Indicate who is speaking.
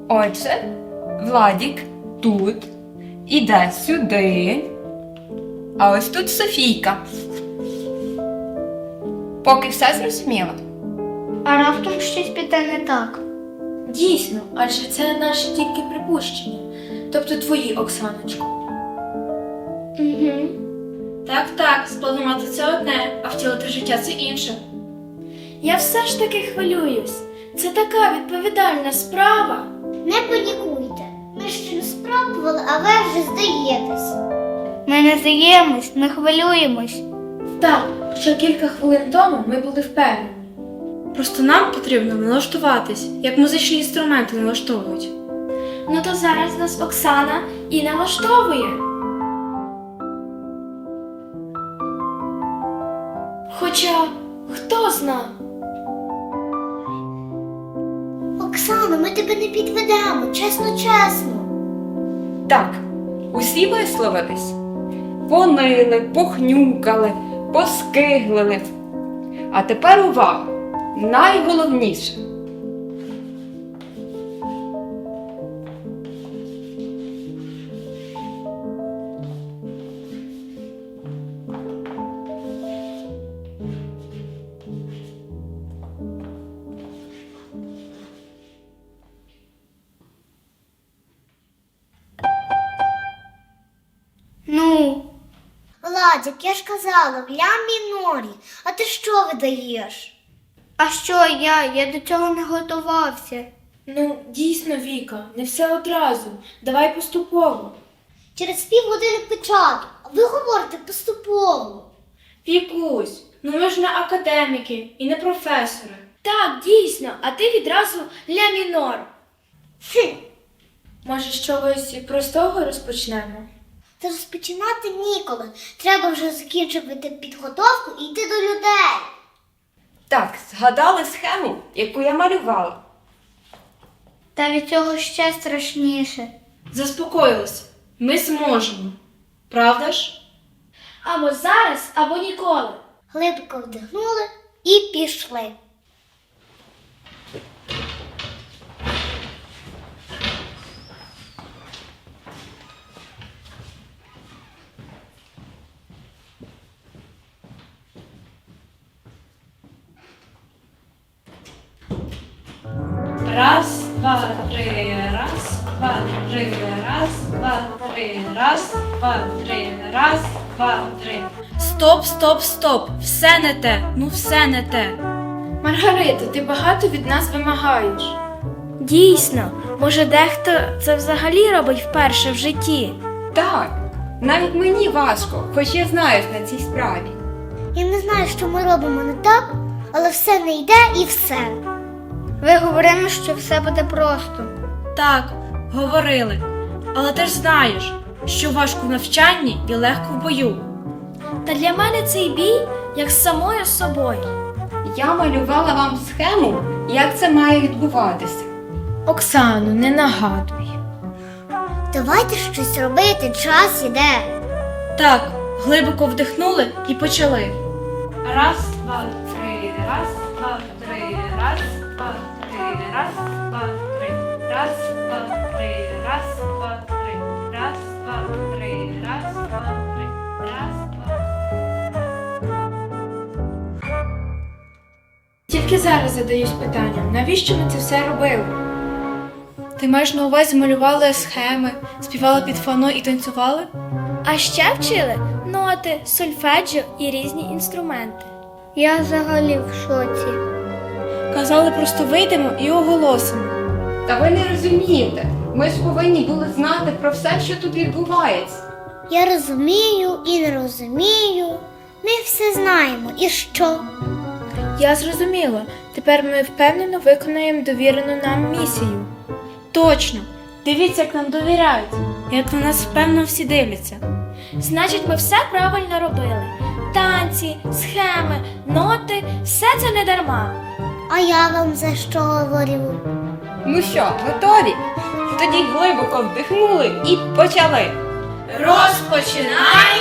Speaker 1: Отже, Владік тут іде сюди, а ось тут Софійка. Поки все зрозуміло.
Speaker 2: А раптом щось піде не так.
Speaker 3: Дійсно, адже це наші тільки припущення. Тобто твої, Оксаночко.
Speaker 2: Угу.
Speaker 3: Так, спланувати це одне, а втілити життя це інше. Я все ж таки хвилююсь. Це така відповідальна справа.
Speaker 2: Не панікуйте. Ми ще не спробували, а ви вже здаєтесь. Ми не здаємось, ми хвилюємось.
Speaker 3: Так, що кілька хвилин тому ми були впевнені. Просто нам потрібно налаштуватись, як музичні інструменти налаштовують. Ну то зараз нас Оксана і налаштовує. Хоча, хто зна?
Speaker 2: Оксано, ми тебе не підведемо, чесно.
Speaker 1: Так, усі висловились. Понили, похнюкали, поскиглили. А тепер увага! Найголовніше.
Speaker 2: Ну? Владик, я ж казала, в ля мінорі. А ти що видаєш? А що я до цього не готувався.
Speaker 3: Ну, дійсно, Віка, не все одразу. Давай поступово.
Speaker 2: Через півгодини початок, а ви говорите поступово.
Speaker 3: Вікусь, ну ми ж не академіки і не професори. Так, дійсно, а ти відразу ля мінор. Може, з чогось простого розпочнемо?
Speaker 2: Та розпочинати ніколи. Треба вже закінчувати підготовку і йти до людей.
Speaker 1: Так, згадали схему, яку я малювала.
Speaker 2: Та від цього ще страшніше.
Speaker 3: Заспокоїлися. Ми зможемо. Правда ж? Або зараз, або ніколи.
Speaker 2: Глибоко вдихнули і пішли.
Speaker 3: Раз, два, три, раз, два, три, раз, два, три, раз, два, три, раз, два, три. Стоп. Все не те. Ну все не те. Маргарита, ти багато від нас вимагаєш. Дійсно, може дехто це взагалі робить вперше в житті.
Speaker 1: Так, навіть мені важко, хоч я знаю на цій справі.
Speaker 2: Я не знаю, що ми робимо не так, але все не йде і все. Ви говорили, що все буде просто.
Speaker 3: Так, говорили. Але ти ж знаєш, що важко в навчанні і легко в бою. Та для мене цей бій як з самою собою.
Speaker 1: Я малювала вам схему, як це має відбуватися.
Speaker 3: Оксану, не нагадуй.
Speaker 2: Давайте щось робити, час іде.
Speaker 3: Так, глибоко вдихнули і почали. Раз, два, три, раз, два, три, раз, два, три, раз, два, три, раз, два, три, раз, два, три, раз, два, три, раз, два, три, раз, два. Тільки зараз задаюсь питанням, навіщо ми це все робили? Ти маєш на увазі малювали схеми, співали під фано і танцювали? А ще вчили ноти, сольфеджіо і різні інструменти.
Speaker 2: Я взагалі в шоці.
Speaker 3: Казали, просто вийдемо і оголосимо.
Speaker 1: Та ви не розумієте, ми ж повинні були знати про все, що тут відбувається.
Speaker 2: Я розумію і не розумію. Ми все знаємо. І що?
Speaker 3: Я зрозуміла. Тепер ми впевнено виконаємо довірену нам місію. Точно. Дивіться, як нам довіряють. Як на нас впевнено всі дивляться. Значить, ми все правильно робили. Танці, схеми, ноти – все це не дарма.
Speaker 2: А я вам за що говорю?
Speaker 1: Ну що, готові? Тоді глибоко вдихнули і почали.
Speaker 3: Розпочинаємо!